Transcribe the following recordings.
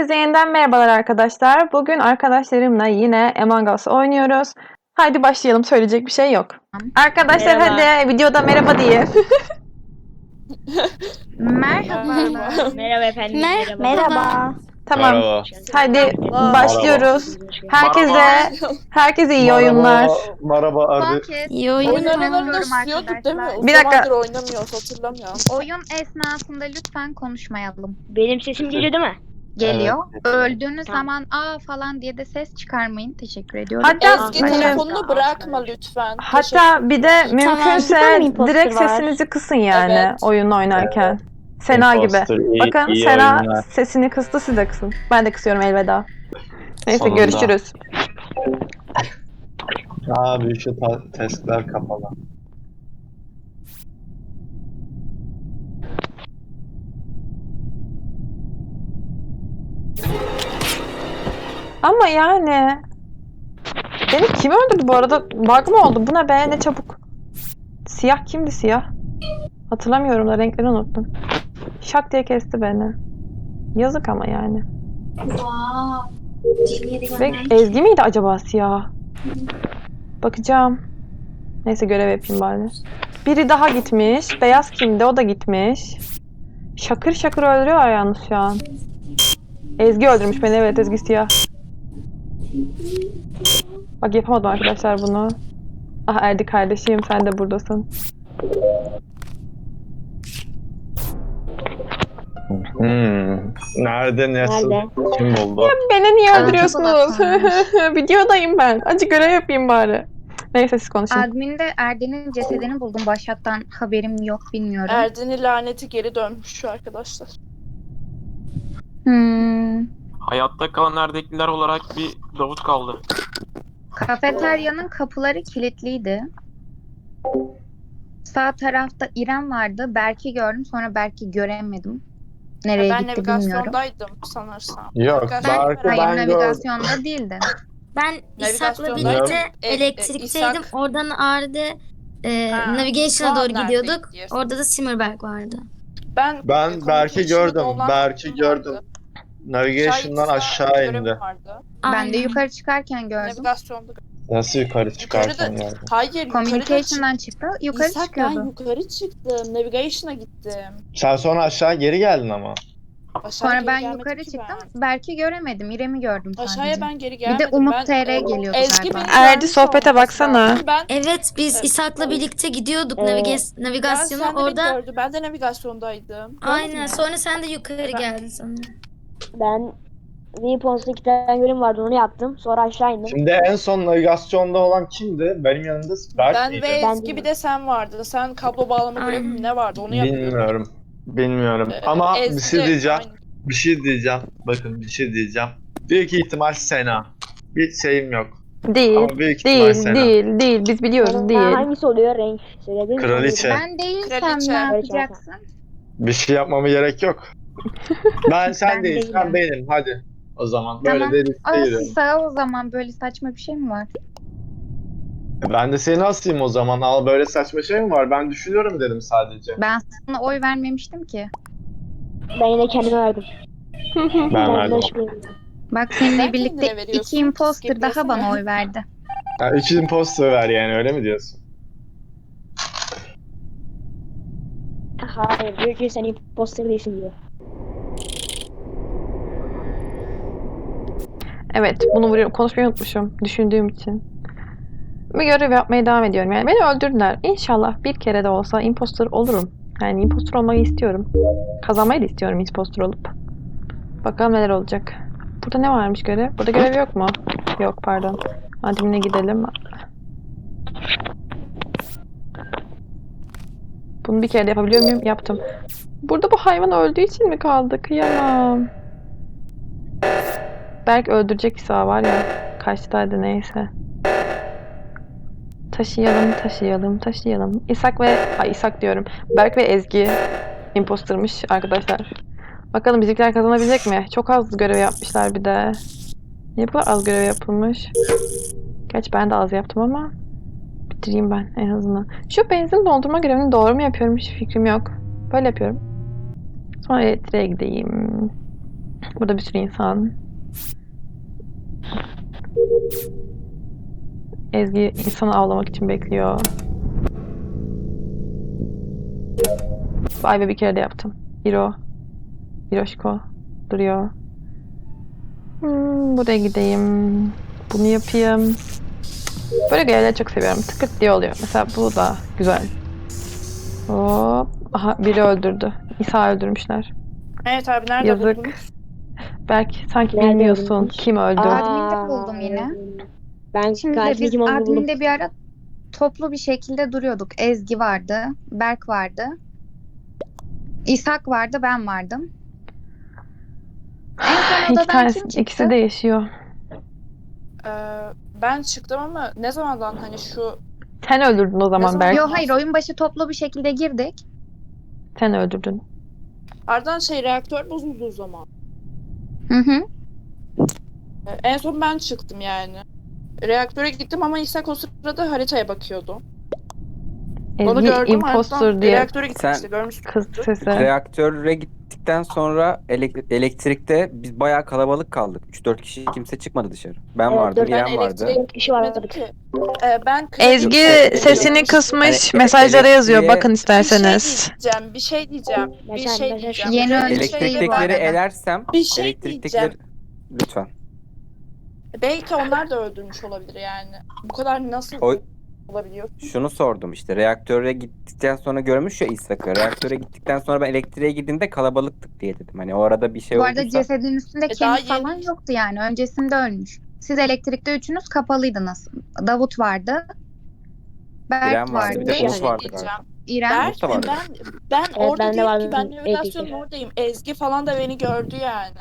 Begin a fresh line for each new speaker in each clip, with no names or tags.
Herkese yeniden merhabalar arkadaşlar. Bugün arkadaşlarımla yine Among Us oynuyoruz. Haydi başlayalım. Söyleyecek bir şey yok. Arkadaşlar
Merhaba.
hadi videoda merhaba diye.
Merhaba.
Merhaba efendim.
Merhaba.
Tamam.
Merhaba.
Haydi başlıyoruz. Herkese iyi
Merhaba.
oyunlar.
Merhaba
Son
Arda.
kez
İyi
oyun
oyunlar.
oynuyorum
Oyun istiyorduk değil mi?
arkadaşlar.
O
Bir dakika.
zamandır oynamıyoruz hatırlamıyorum.
Oyun esnasında lütfen konuşmayalım.
Benim sesim geliyor değil mi?
Geliyor.
Evet.
Öldüğünüz
Tamam.
zaman aa falan diye de ses çıkarmayın. Teşekkür ediyorum.
Hatta
Ezgi telefonunu bırakma lütfen.
hatta bir de mümkünse
Tamam, imposter
direkt
var.
sesinizi kısın yani
Evet.
oyun oynarken. Sena gibi.
Imposter,
Bakın
iyi
Sena
oyunlar.
sesini kıstı, siz de kısın. Ben de kısıyorum, elveda. Neyse
Sonunda.
görüşürüz.
Abi şu testler kapalı.
Ama yani beni kim öldürdü bu arada? Bug mı oldu? Bu ne be? Ne çabuk. Siyah kimdi siyah? Hatırlamıyorum da renkleri unuttum. Şak diye kesti beni. Yazık ama yani. Ve Ezgi miydi acaba siyah? Bakacağım. Neyse görev yapayım bari. Biri daha gitmiş. Beyaz kimdi? O da gitmiş. Şakır şakır öldürüyorlar yalnız şu an. Ezgi öldürmüş beni. Evet, Ezgi siyah. Bak yapamadım arkadaşlar bunu. Ah Erdi kardeşim, sen de buradasın.
Nerede nasıl?
Nerede?
Kim buldu?
Beni niye
Aa,
öldürüyorsunuz?
çok
Videodayım ben. Acı görev yapayım bari. Neyse siz konuşun.
Admin'de Erdin'in cesedini buldum. Başhattan haberim yok, bilmiyorum.
Erdin'in laneti geri dönmüş şu arkadaşlar.
Hayatta kalan neredekiler olarak bir Davut kaldı.
Kafeteryanın kapıları kilitliydi. Sağ tarafta İrem vardı. Berk'i gördüm. Sonra Berk'i göremedim. Nereye
Ben
gitti bilmiyorum.
navigasyondaydım sanırsam.
Yok,
Navigasyon-
Berk'i
Hayır,
ben gördüm.
navigasyonda değildi.
Ben İshak'la
Navigasyondaydım.
birlikte elektrikteydim.
İshak-
Oradan Arda
Ha,
Navigation'a
şu an
doğru gidiyorduk.
nerede gidiyorsun?
Orada da Simmerberg vardı.
Ben
Ben Berk'i gördüm. Berk'i gördüm. Navigation'dan aşağı indi.
Ben de
Aynen.
yukarı çıkarken gördüm.
Navigasyonda.
Nasıl yukarı çıkarken
Yukarıda-
geldi?
Hayır yukarıda
Communication'dan çıktı. Yukarı
İshak,
çıkıyordu.
ben yukarı çıktım. Navigation'a gittim.
Sen sonra aşağı geri geldin ama.
Aşağı
Sonra
geri
ben
gelmedim
yukarı
ki
çıktım.
ben.
Berk'i göremedim. İrem'i gördüm sadece.
Aşağıya ben geri
Bir
gelmedim.
de Umut
Ben-
TR geliyordu
Ezgi
galiba.
beni
Erdi,
görmüş
sohbete
olması
baksana.
lazım. Ben
Evet, biz
Evet.
İshak'la birlikte gidiyorduk
Evet.
navigasyona.
sen de beni
Orada
gördün. Ben de navigasyondaydım.
aynen. Sonra sen de yukarı geldin sanırım.
Ben Weapons'ta 2 tane görev vardı, onu yaptım. Sonra aşağı indim.
Şimdi en son navigasyonda olan kimdi? Benim yanımda Berk
Ben
miydi?
ve
Ben
Ezgi
de-
bir de sen vardın. Sen kablo bağlama görevi mi
Aynen.
ne vardı onu yapıyordun.
Bilmiyorum. Bilmiyorum. Ama bir
Ezgi,
şey diyeceğim.
aynen.
Bir şey diyeceğim. Bakın bir şey diyeceğim. Büyük ihtimal Sena. Bir şeyim yok.
Değil.
Ama büyük ihtimal
Değil,
Sena.
değil. Biz biliyoruz,
Sonra
değil.
hangisi oluyor renk? Söyleyebilir misin?
Kraliçe.
Ben değilsem
Kraliçe.
ne yapacaksın?
Bir şey yapmama gerek yok. Sen
Ben
değil, sen
değilim.
benim. Hadi. O zaman böyle
Tamam.
de listeye
Sağ o zaman, böyle saçma bir şey mi var?
Ben de seni asayım o zaman. Al, böyle saçma şey mi var? Ben düşünüyorum dedim sadece.
Ben sana oy vermemiştim ki.
Ben yine kendime verdim.
Ben verdim.
Bak seninle
Sen
birlikte
kendine veriyorsun,
iki imposter
skip
daha
yesene.
bana oy verdi.
Ya, iki imposter ver yani, öyle mi diyorsun?
Hayır, diyor ki sen imposter değilsin diyor.
Evet, bunu vuruyorum. Konuşmayı unutmuşum düşündüğüm için. Bir görev yapmaya devam ediyorum. Yani beni öldürdüler. İnşallah bir kere de olsa imposter olurum. Yani imposter olmayı istiyorum. Kazanmayı da istiyorum imposter olup. Bakalım neler olacak. Burada ne varmış görev? Burada görev yok mu? Yok, pardon. Admin'e gidelim. Bunu bir kere de yapabiliyor muyum? Yaptım. Burada bu hayvan öldüğü için mi kaldı? Kıyamam. Belki öldürecek İsa var ya. Kaçtaydı neyse. Taşıyalım. İshak diyorum. Berk ve Ezgi impostermış arkadaşlar. Bakalım bizimkiler kazanabilecek mi? Çok az görev yapmışlar bir de. Niye bu kadar az görev yapılmış? Gerçi ben de az yaptım ama bitireyim ben en azından. Şu benzin doldurma görevini doğru mu yapıyorum? Hiç fikrim yok. Böyle yapıyorum. Sonra elektriğe gideyim. Burada bir sürü insan. Ezgi insanı avlamak için bekliyor. Vay be, bir kere de yaptım. Hiroşko duruyor. Buraya gideyim. Bunu yapayım. Böyle görevleri çok seviyorum. Tıkırt diye oluyor. Mesela bu da güzel. Hop. Aha, biri öldürdü. İsa öldürmüşler.
Evet abi nerede
Yazık.
buldunuz?
Belki sanki
Nerede
bilmiyorsun
öldürmüş?
kim öldü.
Admin'de buldum yine.
Ben
Şimdi
katil
biz
kim olduğunu buldum.
adminde bir ara toplu bir şekilde duruyorduk. Ezgi vardı, Berk vardı, İshak vardı, ben vardım. En son
İki
odadan
tanesi,
kim çıktı?
ikisi de yaşıyor.
Ee, ben çıktım ama ne zamandan hani şu
Sen öldürdün o zaman
zaman?
Berk.
Yok hayır, oyun başı toplu bir şekilde girdik.
Sen öldürdün.
ardından reaktör bozuldu o zaman.
Hı hı.
En son ben çıktım yani. Reaktöre gittim ama İshak o sırada haritaya bakıyordu. Onu
Ezgi
gördüm
impostor
ardından
diye
reaktöre gittim
Sen-
işte görmüşsün.
kız sesi.
Reaktöre gittikten sonra elektrikte biz bayağı kalabalık kaldık. 3-4 kişi, kimse çıkmadı dışarı. Ben
Evet,
vardım,
dört
İrem
Ben
vardı.
elektriğe
4 kişi vardı.
gitmedim ki. Ben
Ezgi
Yok,
sesini
yok.
kısmış,
Hani
mesajlara yazıyor.
elektriğe-
Bakın isterseniz.
Bir şey diyeceğim.
Mesela-
Yeni
Böyle bir
ölmüş
şey
değil bu
var.
Elektriktekileri
arada.
elersem,
Bir şey
elektriktekileri... Lütfen.
Belki onlar da öldürmüş olabilir yani. Bu kadar nasıl
O-
olabiliyor?
Şunu sordum işte, reaktöre gittikten sonra görmüş ya İshak'ı. Reaktöre gittikten sonra ben elektriğe girdiğimde kalabalıktık diye dedim. Hani o arada bir şey
Bu arada
olduysa...
cesedin üstünde
daha
kemik falan
yeni-
yoktu yani. Öncesinde ölmüş. Siz elektrikte üçünüz kapalıydınız. Davut vardı. Berk
İrem vardı, bir de
vardı.
Umut vardı
Diyeceğim.
galiba.
İrem.
Berk
da vardı.
ben
Evet,
orada
ben de
değil
vardım.
ki ben navigasyonun
Elektrik.
oradayım. Ezgi falan da beni gördü yani.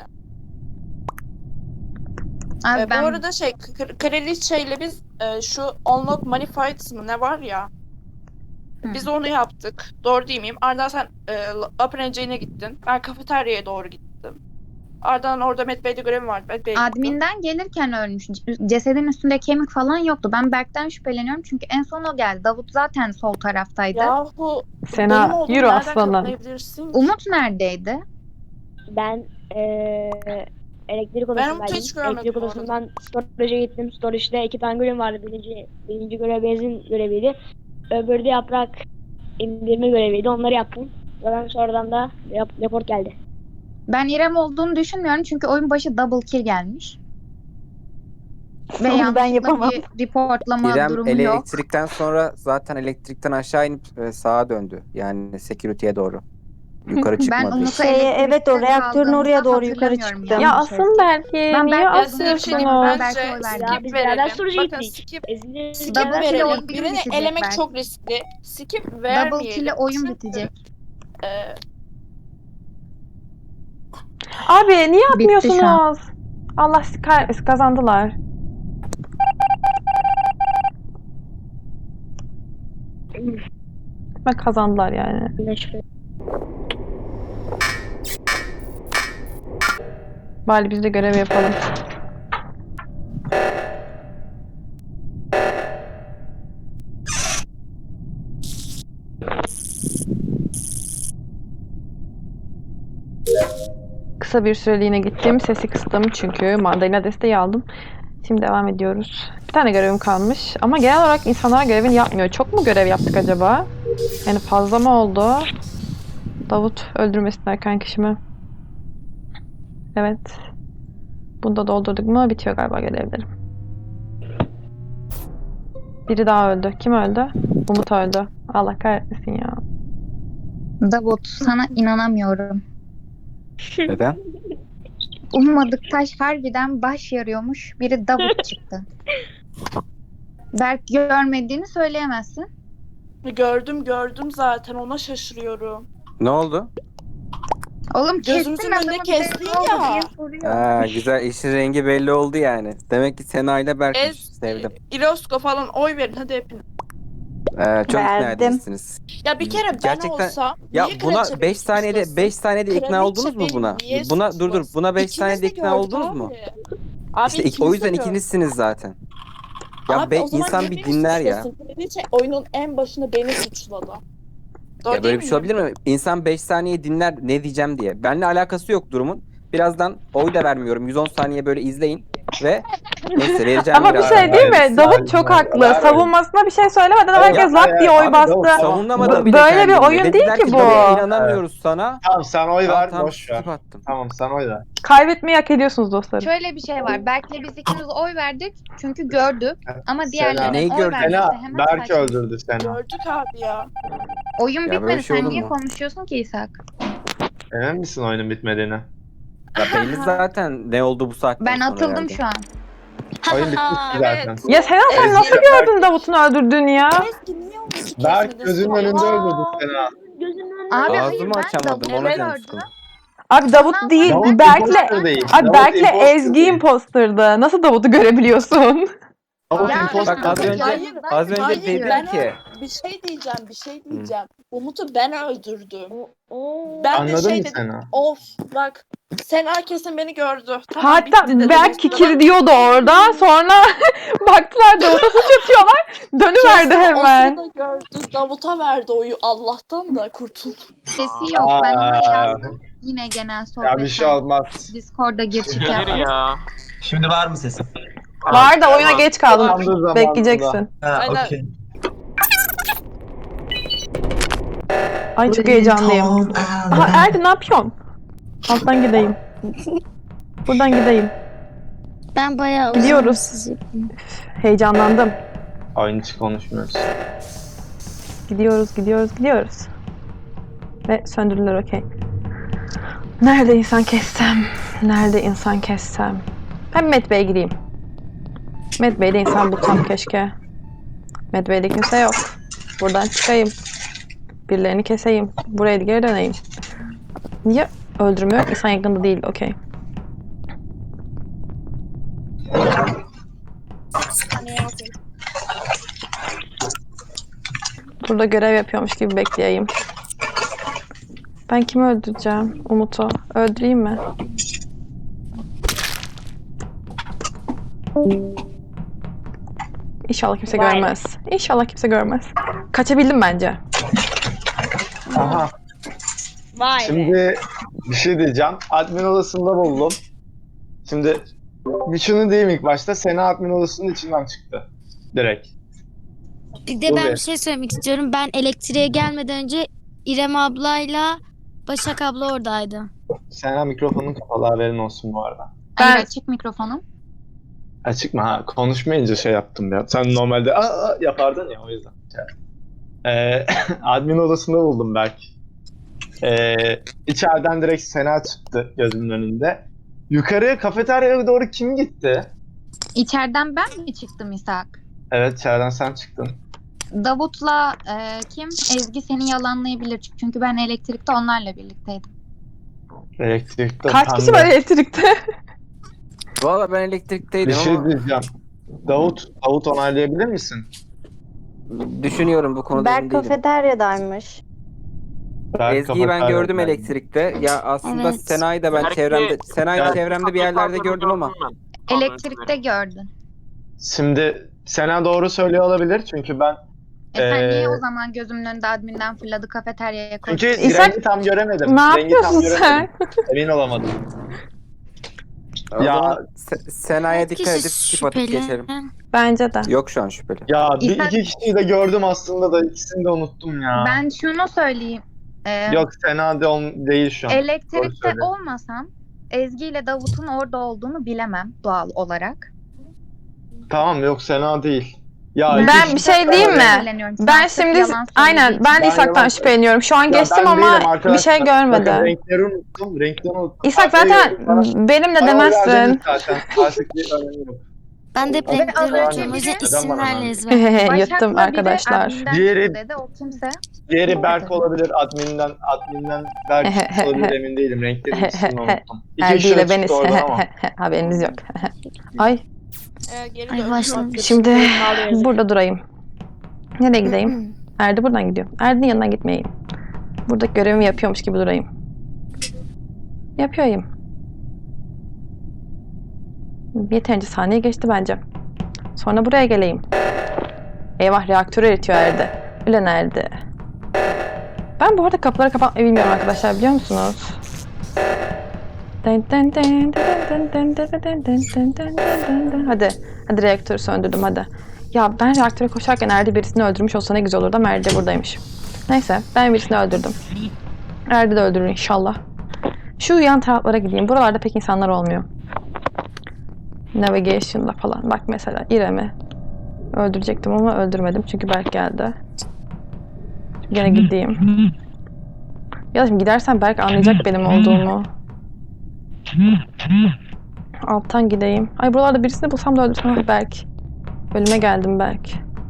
Abi
Bu
ben
arada Kraliçe ile biz şu Unlock Manifieds mı ne var ya?
Hı.
Biz onu yaptık. Doğru değil miyim? Ardından sen Upper Engine'e gittin. Ben kafeteryaya doğru gittim. Ardından orada Met Bey'de görevim vardı. Met Bey'e gittim.
adminden gelirken ölmüş. Cesedin üstünde kemik falan yoktu. Ben Berk'ten şüpheleniyorum çünkü en son o geldi. Davut zaten sol taraftaydı.
Yahu benim
Sena
olduğumu
yürü
nereden
aslanım.
kanıtlayabilirsin ki?
Umut neredeydi?
Ben elektrik
Ben
odasındaydım.
Umut'u hiç görmedim
Elektrik
bu arada.
odasından storage'a gittim. Storage'da 2 tane görev vardı. Birinci görev benzin göreviydi. Öbürü de yaprak indirme göreviydi. Onları yaptım. Zaten sonradan da report geldi.
Ben İrem olduğunu düşünmüyorum çünkü oyun başı double kill gelmiş. Ve
Onu ben
yanlışlıkla
yapamam.
bir reportlama
İrem
durumu yok.
elektrikten sonra zaten elektrikten aşağı inip sağa döndü. Yani security'ye doğru. Yukarı
Ben
çıkmadı.
Umut'u
Evet, o reaktörün oraya doğru yukarı
hatırlamıyorum
çıktı.
yani.
Ya asın belki.
Ben
Niye
Berk'le
Ya size bir şey diyeyim mi?
Ben
asıyorsunuz?
Berk'e
Bence
oy verdim.
Ya
skip
biz beraber
verelim.
storage'a
Bakın
gittik.
skip
Ezgi
Double kill'e
verelim.
oyun
Birini
bitecek
elemek
belki.
çok riskli. Skip
Double
vermeyelim.
kill'e oyun
Çünkü,
bitecek.
e,
Abi niye
Bitti şu
atmıyorsunuz? Allah sizi kahretmesin, kazandılar. Bak kazandılar yani. Bari biz de görev yapalım. Kısa bir süreliğine gittim. Sesi kıstım çünkü mandalina desteği aldım. Şimdi devam ediyoruz. Bir tane görevim kalmış. Ama genel olarak insanlar görevini yapmıyor. Çok mu görev yaptık acaba? Yani fazla mı oldu? Davut öldürmesinler kankişimi. Evet. Bunu da doldurduk mu bitiyor galiba görevlerim. Biri daha öldü. Kim öldü? Umut öldü. Allah kahretmesin ya.
Davut sana inanamıyorum.
Neden?
Ummadık taş harbiden baş yarıyormuş. Biri Davut çıktı. Berk görmediğini söyleyemezsin.
gördüm zaten ona şaşırıyorum.
Ne oldu?
Oğlum
Gözümüzün
kestin
önünde
adamı,
kestin
bir de ne oldu
ya.
diye soruyor.
Ha, güzel, işin rengi belli oldu yani. Demek ki Sena ile Berk'miş. Sevdim.
İlosko falan oy verin hadi hepiniz.
Çok ikna
Verdim.
edilsiniz.
Ya bir kere ben
Gerçekten-
olsam
Ya
niye
buna
kraliçe
5
beni
saniyede
suçlasın?
5 saniyede ikna
Kraliçe
oldunuz mu
beni
buna?
niye
Buna dur
suçlasın?
buna 5
İkiniz
saniyede
de
ikna
gördük
oldunuz
abi.
mu?
Abi
İşte
ikiniz
o
de
yüzden
gördük.
ikinizsiniz zaten. Ya
Abi o zaman
insan
niye
bir
beni
dinler ya.
suçlasın? Kraliçe oyunun en başında beni suçladı. Doğru
Ya böyle
değil
bir şey olabilir mi? İnsan 5 saniye dinler ne diyeceğim diye. Benimle alakası yok durumun. Birazdan oy da vermiyorum. 110 saniye böyle izleyin ve neyse vereceğim
Ama bir
biraz.
şey değil mi?
Hayır,
Davut çok
hayır,
haklı.
hayır.
Savunmasına bir şey söylemeden herkes
hayır,
lap diye oy
abi, Davut,
bastı.
Savunamadım
Bu-
bile
böyle bir
kendimi.
oyun değil
Dediler
ki bu.
"Tabii, inanamıyoruz sana."
Tamam sen oy ver,
Tamam,
boş ver.
skip attım.
Tamam sen oy ver.
Kaybetmeyi hak ediyorsunuz dostlarım.
Şöyle bir şey var. Berk'le biz ikimiz oy verdik çünkü gördük. Ama
Sena.
diğerlerinin
Neyi
oy
gördün?
vermesi
Sena,
hemen
Berk
saçma.
öldürdü seni.
Gördük abi ya.
Oyun
Ya böyle
bitmedi.
şey
Sen
olur
niye
mu?
konuşuyorsun ki İshak?
Emin misin oyunun bitmediğini?
Ya belli zaten ne oldu bu saatten
Ben
sonra
atıldım
herhalde.
şu an.
Oyun bitmişti zaten.
Ya Sena sen
Ezgi-
nasıl gördün Davut'un öldürdüğünü ya?
Ezgi niye onu kesmedin?
Berk gözünün önünde öldürdü Sena.
Gözümün önünde.
Abi hayır
Ağzımı
ben
açamadım,
Davut'u
ona canım
gördüm.
sıkıldı.
Abi Davut değil,
Davut
Berk'le...
imposter değil.
Abi
Davut
Berk'le
imposter
Ezgi
değil.
imposter'dı. Nasıl Davut'u görebiliyorsun?
Davut
Ya,
imposter
Bak az
değil.
önce
Hayır,
az önce
hayır,
dedim
ben
ki
bir şey diyeceğim. Umut'u ben öldürdüm.
Oo.
Ben de
Anladın
şey
mı
dedim.
Sena?
Of bak. Sena kesin beni gördü. Tamam,
Hatta
bitti dedim.
Berk kikir diyordu orada. Sonra baktılar Davut'a suç atıyorlar. Dönüverdi
Kesin
hemen.
O sırada gördü. Davut'a verdi oyu. Allah'tan da kurtuldum.
Sesi yok. Ben ona
Aa.
yazdım. Yine genel
Ya
sohbet.
bir şey olmaz.
Discord'da gir çık
Hayır
yaparız.
ya.
Şimdi var mı sesim?
Var da oyuna geç kaldın.
Tamamdır zamanında.
Bekleyeceksin.
Ha,
Aynen.
okey.
Ay çok heyecanlıyım. Aha Erdi ne yapıyorsun? Alttan gideyim. Buradan gideyim.
Ben bayağı
Gidiyoruz.
sizi.
Heyecanlandım.
Oyun hiç konuşmuyoruz.
Gidiyoruz. Ve söndürdüler okey. Nerede insan kessem? Ben Medbay'e gideyim. Medbay'de insan bulsam keşke. Medbay'de kimse yok. Buradan çıkayım. Birilerini keseyim. Buraya geri döneyim. Niye öldürmüyor? İnsan yakında değil. Okey. Burada görev yapıyormuş gibi bekleyeyim. Ben kimi öldüreceğim? Umut'u. Öldüreyim mi? İnşallah kimse
Vay.
görmez. İnşallah kimse görmez. Kaçabildim bence.
Aha.
Vay be.
Şimdi bir şey diyeceğim. Admin odasında buldum. Şimdi bir şunu diyeyim ilk başta. Sena admin odasının içinden çıktı. Direkt.
Bir de ben
Oluyor.
bir şey söylemek istiyorum. Ben elektriğe gelmeden önce İrem ablayla Başak abla oradaydı.
Sena mikrofonun kapalı, haberin olsun bu arada.
Hayır
Ben-
açık mikrofonum.
Açık mı? Ha, konuşmayınca şey yaptım ya. Sen normalde yapardın ya, o yüzden. Admin odasında buldum belki. İçeriden direkt Sena çıktı gözümün önünde. Yukarıya kafeteryaya doğru kim gitti?
İçeriden ben mi çıktım İshak?
Evet, içeriden sen çıktın.
Davut'la kim? Ezgi seni yalanlayabilir. Çünkü ben elektrikte onlarla birlikteydim.
Elektrikte
Kaç kişi
pembe.
var elektrikte?
Valla ben
Bir
elektrikteydim
şey
ama
diyeceğim. Davut onaylayabilir misin?
düşünüyorum bu konuda emin
Berk
değilim.
kafeteryadaymış.
Ezgi'yi ben gördüm
kafeteryada.
elektrikte. Ya aslında
Evet.
Sena'yı da ben
Belki-
Sena'yı
Evet.
çevremde bir yerlerde gördüm ama.
Elektrikte gördün.
Şimdi Sena doğru söylüyor olabilir çünkü ben
Sen niye
Ee,
o zaman gözümün önünde adminden fırladı kafeteryaya koydun?
çünkü
İshak,
rengi tam göremedim.
Ne
Rengi tam
yapıyorsun
göremedim.
sen?
Emin olamadım.
O
Ya-
zaman Sena'ya dikkat edip
Kişi
skip atıp
şüpheli.
geçelim.
Bence de.
Yok şu an şüpheli.
Ya
İshak-
iki kişiyi de gördüm aslında da ikisini de unuttum ya.
Ben şunu söyleyeyim.
Yok Sena değil şu an. Doğru
Elektrikte
söylüyor.
olmasam Ezgi ile Davut'un orada olduğunu bilemem doğal olarak.
Tamam, yok Sena değil. Ya
Ben
iki
bir şey diyeyim mi?
Şüpheleniyorum. Sen
Ben
sırf
şimdi
yalan
aynen
söylediğin
ben
için.
de İshak'tan
yalan-
şüpheleniyorum. Şu an
Ya
geçtim
ben
ama
değilim
bir
arkadaşlar.
şey
Bakın
görmedim.
renkleri unuttum.
İshak zaten benimle
Bana
demezsin.
verdiniz zaten. Artık bir önemi yok.
Ben de hep
Abi,
renkleri
az
unutuyorum. O
önce-
yüzden
Neden
isimlerle
bana-
ezber.
Yuttum
Başak'la biri
arkadaşlar.
adminden
Diğeri-
çıktı dedi. O kimse?
Diğeri Berk olabilir. Admin'den Berk olabilir, emin değilim. Renklerin ikisini unuttum. İki
Erdi
kişi
ile
de
beniz.
çıktı oradan ama.
Haberiniz yok. Ay
Geri
Ay
döndüm.
başlamış.
şimdi burada durayım. Nereye gideyim? Erdi buradan gidiyor. Erdi'nin yanına gitmeyeyim. Burada görevimi yapıyormuş gibi durayım. Yapıyorum. Yeterince saniye geçti bence. Sonra buraya geleyim. Eyvah, reaktör eritiyor Erdi. Öyle nerede? Ben bu arada kapıları kapatmayı bilmiyorum arkadaşlar, biliyor musunuz? Hadi. Hadi reaktörü söndürdüm hadi. Ya ben reaktöre koşarken Erdi birisini öldürmüş olsa ne güzel olurdu ama Erdi buradaymış. Neyse ben birisini öldürdüm. Erdi de öldürür inşallah. Şu yan taraflara gideyim. Buralarda pek insanlar olmuyor. Navigation'da falan. Bak mesela İrem'i öldürecektim ama öldürmedim. Çünkü Berk geldi. Gene gideyim. Ya da şimdi gidersen Berk anlayacak benim olduğumu. Alttan gideyim. Ay buralarda birisini bulsam da öldürsem. Ah Berk. Ölüme geldim Berk.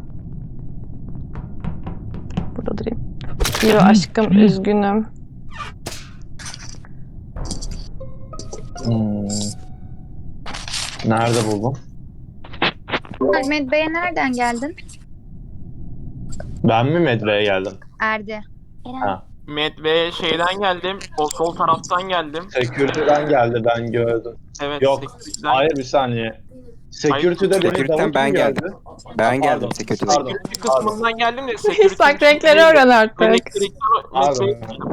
Burada durayım. Hiro aşkım üzgünüm.
Nerede buldun?
Ahmet Bey'e nereden geldin?
Ben mi Medve'ye geldim?
Erdi.
Medve'ye şeyden geldim. O sol taraftan geldim.
Security'den geldi ben gördüm.
Evet.
Yok.
8'den
Hayır bir saniye. Security'de beni
Security'den
Davut
ben
mu
geldim.
gördü?
Ben geldim
Pardon,
security'den.
pardon,
Security kısmından geldim de security.
Sak renkleri öğren artık.
Pardon.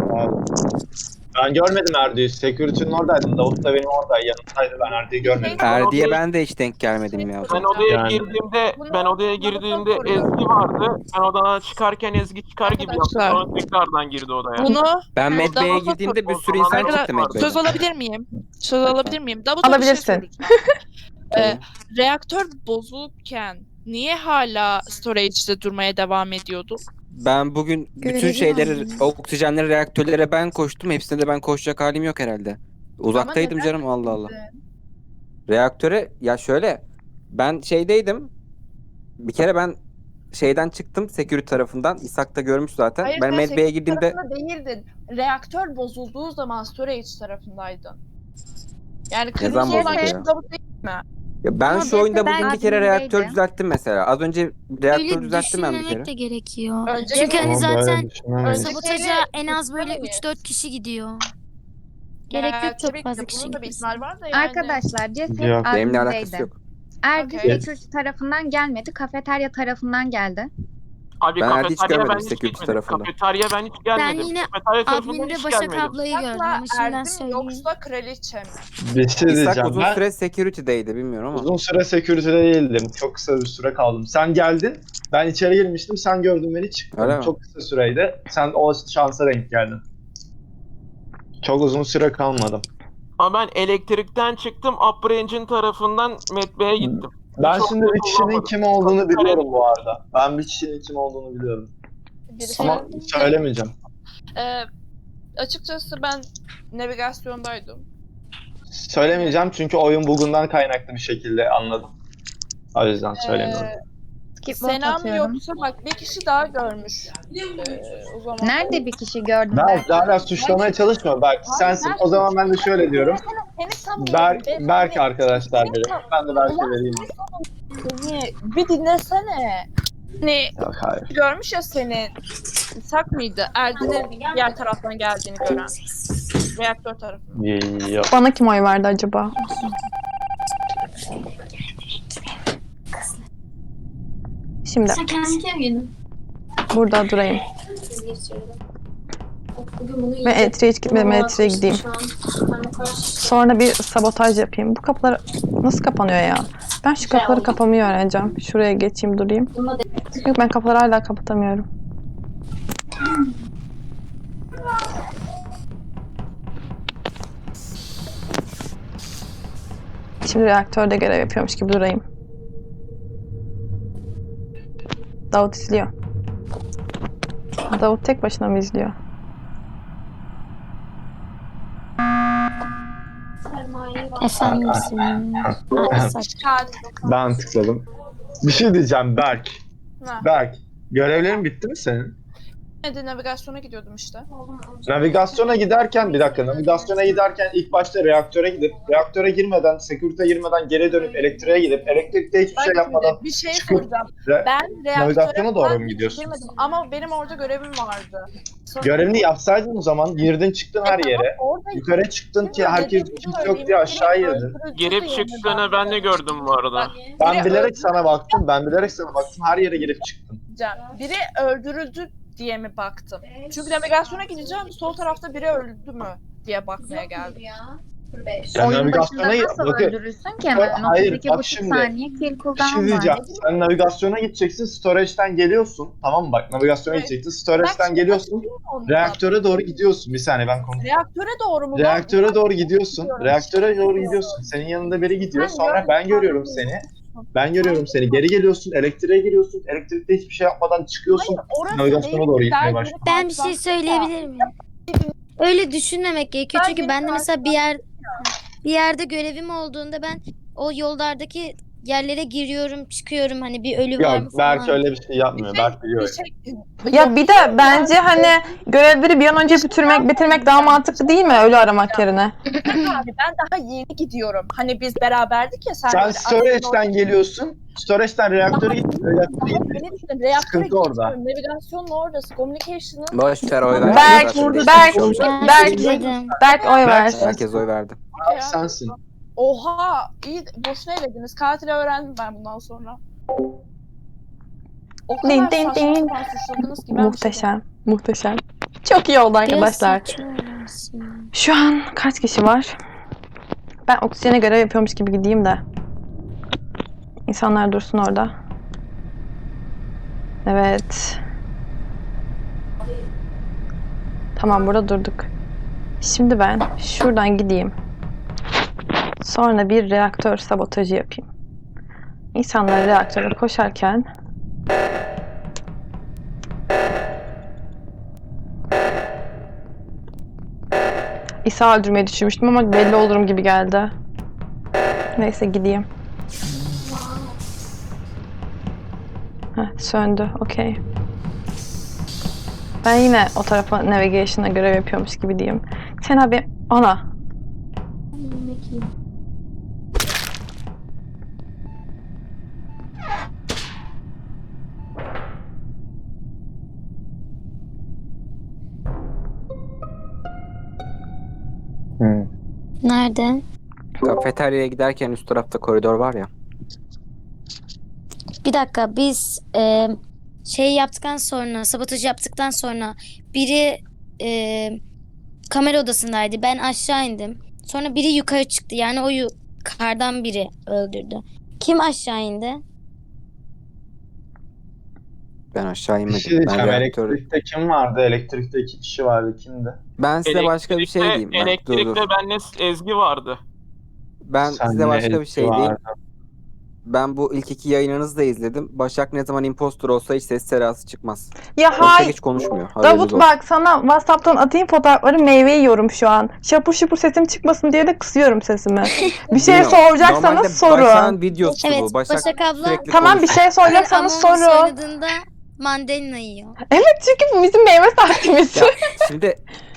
Ben görmedim Erdi'yi. Security'nin oradaydım. Davut da benim oradaydı. Yanımdaydı. Ben Erdi'yi görmedim.
Erdi'ye ben de hiç denk gelmedim ya.
Ben odaya
Yani.
girdiğimde Ezgi vardı. Ben odadan çıkarken Ezgi çıkar gibi yaptı.
Arkadaşlar.
Sonra tekrardan girdi odaya.
Bunu
Ben Medve'ye
Davut'a
girdiğimde bir
o
sürü
zaman
insan
arkadaşlar,
çıktı Medve'den.
söz alabilir miyim? Söz alabilir miyim? Davut'a bir şey
Alabilirsin.
soracağım. Reaktör bozulukken niye hala storage'de durmaya devam ediyordu?
Ben bugün bütün
Görevi
şeyleri,
var.
oksijenleri, reaktörlere ben koştum. Hepsine de ben koşacak halim yok herhalde. Uzaktaydım
neden
canım Allah Allah. Reaktöre ya şöyle ben şeydeydim. Bir kere ben şeyden çıktım security tarafından. İshak da görmüş zaten.
Hayır,
Ben
sen
Medve'ye
security
girdiğimde
tarafında değildin. Reaktör bozulduğu zaman storage tarafındaydın. Yani
zaman
kırmızı olan
bozuldu
kişi
ya?
Davut değil mi?
ya ben
Ama
şu oyunda
ben
bugün bir kere
admindeydim.
reaktör düzelttim mesela. Az önce reaktör
Öyle
düzelttim ben bir kere.
düşünmemek de gerekiyor.
Önce
Çünkü hani
Ama böyle
zaten
düşünemeyiz.
sabotaja en az böyle
düşünemeyiz.
3-4 kişi gidiyor. Gerek yok
Tabii
çok
ki
fazla
de
kişi
bunun da bir
gitmesin.
ihtimal var da yani.
Arkadaşlar ceset
Yok,
Benimle alakası
admindeydi.
yok.
Erdi
Okey.
security tarafından gelmedi. Kafeterya tarafından geldi.
Abi
Ben Erdi hiç
kafeterya
görmedim
ben hiç
security
gitmedim.
tarafında.
Kafeterya ben hiç gelmedim.
Ben yine
Kafeterya tarafından
adminde
hiç
Başak
gelmedim.
ablayı gördüm
Yoksa
ama şimdiden
Erdem
söyleyeyim.
yoksa kraliçe mi?
Bir şey
İshak
diyeceğim.
uzun
Ben
süre security'deydi bilmiyorum ama.
uzun süre security'de değildim. Çok kısa bir süre kaldım. Sen geldin. Ben içeri girmiştim. Sen gördün beni çıktın.
Öyle mi?
Çok kısa süreydi. Sen o şansa denk geldin. Çok uzun süre kalmadım.
Ama ben elektrikten çıktım. Upper Engine tarafından Medve'ye gittim.
Ben
Çok
şimdi bir
kötü
kişinin
olamadı.
kim olduğunu
Çok
biliyorum bu arada. Ben bir kişinin kim olduğunu biliyorum.
Birisi
Ama söylemeyeceğim.
açıkçası ben navigasyondaydım.
Söylemeyeceğim çünkü oyun bugundan kaynaklı bir şekilde anladım. O yüzden söylemiyorum.
Skip vote
Sena mı
atıyorum.
yoksa bak bir kişi daha görmüş. O zaman.
Nerede bir kişi gördün
Berk hala suçlamaya çalışma Berk. Sensin. O zaman ben de şöyle diyorum.
Seni sanmıyorum.
Berk arkadaşlar derim. Ben de Berk'e vereyim.
Seni bir dinlesene. Hani
Yok hayır.
görmüş ya seni. İshak mıydı? Erdin'in diğer taraftan geldiğini gören. Reaktör tarafından.
Yok.
Bana kim oy verdi acaba? Şimdi
Sen kendin kim giydin?
burada durayım.
Bugün bunu
Ve elektriğe hiç gitmedim. Elektriğe gideyim. Sonra bir sabotaj yapayım. Bu kapılar nasıl kapanıyor ya? Ben şu kapıları kapamayı öğreneceğim. Şuraya geçeyim durayım. Yok ben kapıları hala kapatamıyorum. Şimdi reaktörde görev yapıyormuş gibi durayım. Davut izliyor. Davut tek başına mı izliyor?
Efendim
Ben tıkladım. Bir şey diyeceğim Berk.
Ha.
Berk. Görevlerin bitti mi senin?
Hadi navigasyona gidiyordum işte.
Navigasyona giderken bir dakika. Navigasyona giderken ilk başta reaktöre gidip reaktöre girmeden, security'e girmeden geri dönüp elektriğe gidip elektrikte hiçbir
Bak
şey yapmadan
şimdi bir şey
çıkıp
soracağım.
re-
Ben
navigasyona
reaktöre
doğru
falan
mu gidiyorsun?
girmedim ama benim orada görevim vardı. Sonra-
görevini yapsaydın o zaman girdin çıktın her yere.
Orada
Yukarı çıktın ki herkes kimse yok diye aşağı girdin.
Girip çıktığını ben de gördüm bu arada.
Ben bilerek sana baktım. Ben bilerek sana baktım. Her yere girip çıktım.
Biri öldürüldü diye mi baktım? Çünkü navigasyona gideceğim. Sol tarafta biri öldü mü diye bakmaya geldim.
Ya
Oyun
navigasyona
başında nasıl
bakın.
öldürürsün ki hemen?
Hayır,
32,5
bak şimdi.
saniye kill
Bir
cooldown
şey
var.
diyeceğim. Sen navigasyona gideceksin, storage'den geliyorsun. Tamam mı? Bak navigasyona
Evet.
gideceksin, storage'den geliyorsun. Reaktöre doğru gidiyorsun. Bir saniye ben konuşayım.
Reaktöre doğru mu?
Reaktöre doğru gidiyorsun.
Gidiyorum.
Reaktöre doğru gidiyorsun. Senin yanında biri gidiyor. Sonra ben görüyorum seni. Ben görüyorum seni. Geri geliyorsun. Elektriğe giriyorsun. Elektrikte hiçbir şey yapmadan çıkıyorsun.
Orası
Navigasyona
değil.
doğru gitmeye
Ben
başlıyorsun.
Ben bir şey söyleyebilir miyim? Öyle düşünmemek gerekiyor. Çünkü ben de mesela bir yerde görevim olduğunda ben o yollardaki yerlere giriyorum, çıkıyorum. Hani bir ölü var mı
Yok, Berk
falan.
öyle bir şey yapmıyor. Berk biliyor.
Ya bir de bence hani görevleri bir an önce bitirmek daha mantıklı değil mi ölü aramak yerine?
Abi ben daha yeni gidiyorum. Hani biz beraberdik ya sen.
Sen
böyle
storage'den geliyorsun. Storage'den reaktöre gittin. Reaktöre gittin.
Beni düşün. Reaktöre
Sıkıntı orada.
gitmiyorum. Navigasyonun oradası. Communication'ın
Boş ver oy ver.
Berk,
Zaten
Berk,
değişmiş olacak.
Berk,
Dedim.
Berk oy ver.
Herkes oy verdi.
Berk sensin.
Oha! İyi boşuna elediniz. Katili öğrendim ben bundan sonra. O kadar
Din, din,
saçma
din.
sapan suçladınız ki ben
Muhteşem, muhteşem. Çok iyi oldu arkadaşlar.
Biraz saçma olmasın.
Şu an kaç kişi var? Ben oksijene görev yapıyormuş gibi gideyim de. İnsanlar dursun orada. Evet. Tamam burada durduk. Şimdi ben şuradan gideyim. Sonra bir reaktör sabotajı yapayım. İnsanlar reaktöre koşarken İsa öldürmeyi düşünmüştüm ama belli olurum gibi geldi. Neyse gideyim. Heh, söndü. Okey. Ben yine o tarafa navigation'a görev yapıyormuş gibi diyeyim. Sen abi ana.
Nerede?
Kafeteryaya giderken üst tarafta koridor var ya.
Bir dakika biz şey yaptıktan sonra, sabotaj yaptıktan sonra biri kamera odasındaydı. Ben aşağı indim. Sonra biri yukarı çıktı. Yani o yukarıdan biri öldürdü. Kim aşağı indi?
Ben aşağı
Bir
inmedim.
şey diyeceğim.
Ben reaktör...
Elektrikte kim vardı? Elektrikte 2 kişi vardı. Kimdi?
Ben size başka bir şey diyeyim. Ben, dur,
Elektrikte
dur.
benle Ezgi vardı.
Ben
Sen
size
ne
başka bir
Ezgi
şey diyeyim.
vardı?
Ben bu ilk iki yayınınızı da izledim. Başak ne zaman impostor olsa hiç ses serası çıkmaz.
Ya
Başak
hay.
hiç konuşmuyor. Haberiniz
Davut
olsun.
bak sana WhatsApp'tan atayım fotoğrafları, meyve yiyorum şu an. Şapur şupur sesim çıkmasın diye de kısıyorum sesimi. Bir şey
Bilmiyorum.
soracaksanız
Normalde
sorun.
Başak'ın videosu
Evet,
bu. Başak
Başak abla
sürekli
Tamam bir
konuşuyor.
şey soracaksanız
Among Us
sorun.
oynadığında mandalina yiyor.
Evet çünkü bu bizim meyve saatimiz.
Ya şimdi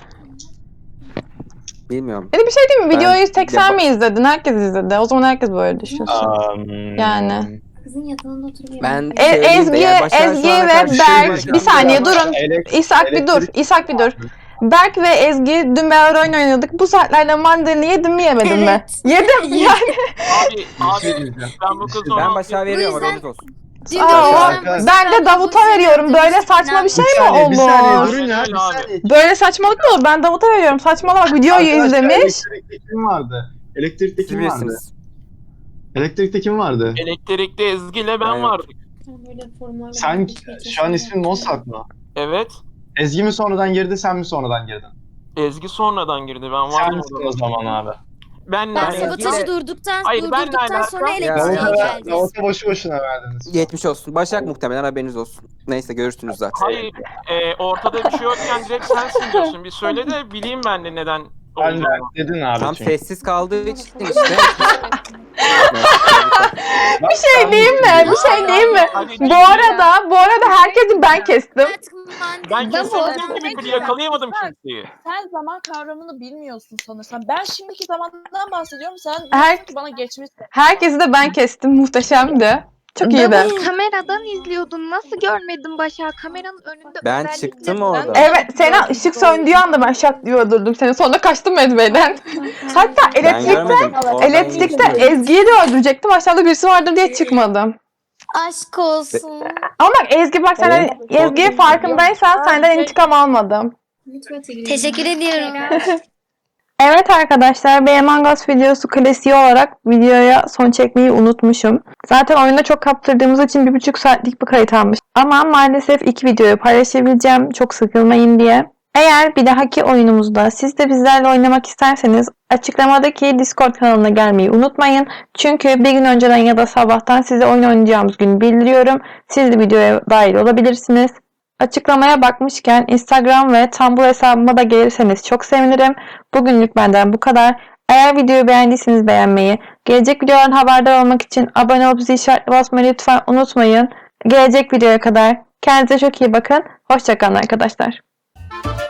bilmiyorum.
Bir de bir şey değil mi?
Ben-
Videoyu tek
Ya
sen
bak-
mi izledin? Herkes izledi. O zaman herkes böyle düşünsün. Yani.
Kızın yatağında oturuyor.
Ben söyleyeyim de
Ezgi,
yani Başak'a
Ezgi
şu ana
ve
kadar bir şey
Berk.
diyeceğim.
Bir saniye durun.
Elektrik-
İshak bir dur.
elektrik-
İshak bir dur. Berk ve Ezgi dün beraber oyun oynadık. Bu saatlerde mandalina yedim mi yemedim mi?
Evet.
Yedim yani.
Abi,
Bir şey
abi
diyeceğim.
ben bu kızı
Ben Başak'a veriyorum
yüzden-
haberiniz olsun.
Dün
Aa,
de
Başak-
Ben de Davut'a veriyorum. Böyle saçma bir şey
Bir
mi
saniye, bir saniye
olur?
durun ya.
Aynen
Bir
abi.
saniye.
Böyle saçmalık mı olur? Ben Davut'a veriyorum. Saçmalama bak videoyu
Arkadaşlar,
izlemiş.
Elektrikte kim vardı? Elektrikte
Siz
kim vardı?
bilirsiniz.
Elektrikte kim vardı?
Elektrikte Ezgi ile ben
Aynen.
vardık.
Sen şu an ismin Mossad mı?
Evet.
Ezgi mi sonradan girdi, sen mi sonradan girdin?
Ezgi sonradan girdi. Ben
Sen
vardım
misin
orada.
o zaman abi?
Ben
Ben
Ezgi'yle-
sabotajı durduktan
Hayır, benle
sonra
alakalı-
elektriğe geldi.
Davut'a boşu boşuna verdiniz.
Geçmiş olsun. Başak muhtemelen haberiniz olsun. Neyse görürsünüz zaten.
Hayır, ortada bir şey yokken direkt sensin diyorsun. Bir söyle de bileyim ben de neden
Ben de
olduğunu.
dedin abi
Tam
çünkü.
sessiz kaldığı için işte.
Bir şey diyeyim mi? Bir şey diyeyim mi?
Hadi
Bu arada herkesi ben kestim.
ben
Davut.
kesinlikle bir yakalayamadım kimseyi.
Sen zaman kavramını bilmiyorsun sanırsam. Ben şimdiki zamandan bahsediyorum. Sen
Her-
diyorsun ki bana geçmiş.
Herkesi de ben kestim. Muhteşemdi. Çok iyiydi.
Davut kameradan izliyordun. Nasıl görmedin Başak? Kameranın önünde
Ben
özellikle-
çıktım orada.
Evet, Sena ışık söndüğü anda ben şak diye öldürdüm seni. Sonra kaçtım Medve'den. Hatta
Ben
elektrikte,
görmedim. Oradan
elektrikte
geçtim.
Ezgi'yi de öldürecektim. Aşağıda birisi vardır diye çıkmadım.
Aşk olsun.
Ama bak Ezgi bak sen
Evet.
Ezgi'ye farkındaysan senden intikam almadım.
Teşekkür ediyorum.
Evet arkadaşlar, bir Among Us videosu klasiği olarak videoya son çekmeyi unutmuşum. Zaten oyunda çok kaptırdığımız için 1,5 saatlik bir kayıt almış. Ama maalesef 2 videoyu paylaşabileceğim çok sıkılmayın diye. Eğer bir dahaki oyunumuzda siz de bizlerle oynamak isterseniz açıklamadaki Discord kanalına gelmeyi unutmayın. Çünkü bir gün önceden ya da sabahtan size oyun oynayacağımız günü bildiriyorum. Siz de videoya dahil olabilirsiniz. Açıklamaya bakmışken Instagram ve Tumblr hesabıma da gelirseniz çok sevinirim. Bugünlük benden bu kadar. Eğer videoyu beğendiyseniz beğenmeyi, gelecek videoların haberdar olmak için abone olup zil işaretine basmayı lütfen unutmayın. Gelecek videoya kadar kendinize çok iyi bakın. Hoşça kalın arkadaşlar.